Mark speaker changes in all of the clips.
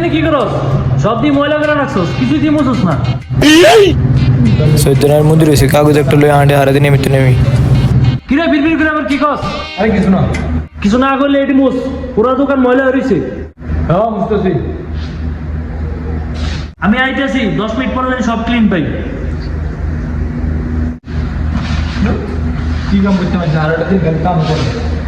Speaker 1: এখানে কি করস? সব দিয়ে ময়লা করে রাখছস, কিছু দিয়ে মুছস না।
Speaker 2: সৈতনের মন্দির হয়েছে কাগজ একটা লই আন্ডে হারাতে নেমিতে নেমি
Speaker 1: কিরে বিড়বিড় করে আবার কি কস?
Speaker 3: আরে কিছু না।
Speaker 1: কিছু না করলে এটি মুছ, পুরো দোকান ময়লা হয়েছে।
Speaker 3: হ্যাঁ বুঝতেছি।
Speaker 1: আমি আইতেছি, 10 মিনিট পরে যেন সব ক্লিন পাই।
Speaker 3: কি কাম করতে পারছি, আর একটা দিন কাম করে।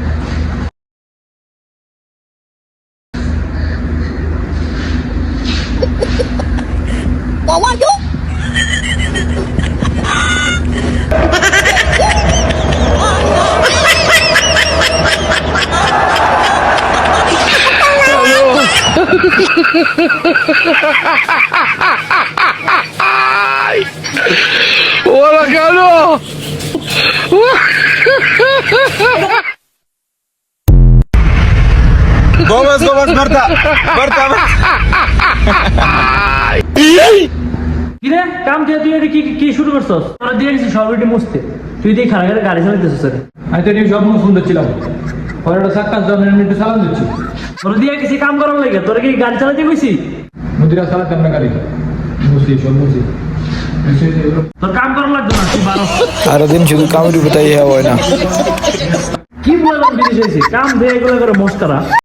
Speaker 4: ¡Hola, cabrón!
Speaker 2: Gomez, Berta! Berta!
Speaker 1: কিরে কাম দিয়ে তুই এটা কি কি শুরু করছস? তোরা দিয়ে গেছিস সব এটি মুছতে, তুই দিয়ে খারাপ গাড়ি চালাইতেছিস।
Speaker 3: আমি তো সব সুন্দর ছিলাম, পরে একটা সাক্ষাৎ একটু সালাম দিচ্ছি।
Speaker 1: তোরা দিয়ে গেছি কাম করার লাগে, তোরা কি গাড়ি চালাতে গেছি?
Speaker 3: মুদিরা চালাতাম না গাড়ি, মুসি সব মুসি।
Speaker 1: তোর কাম করার লাগতো না, তুই বারো।
Speaker 2: সারাদিন শুধু কামের উপর তাই হয় না
Speaker 1: কি বললাম বিদেশ হয়েছি, কাম দিয়ে এগুলো করে মস্কারা।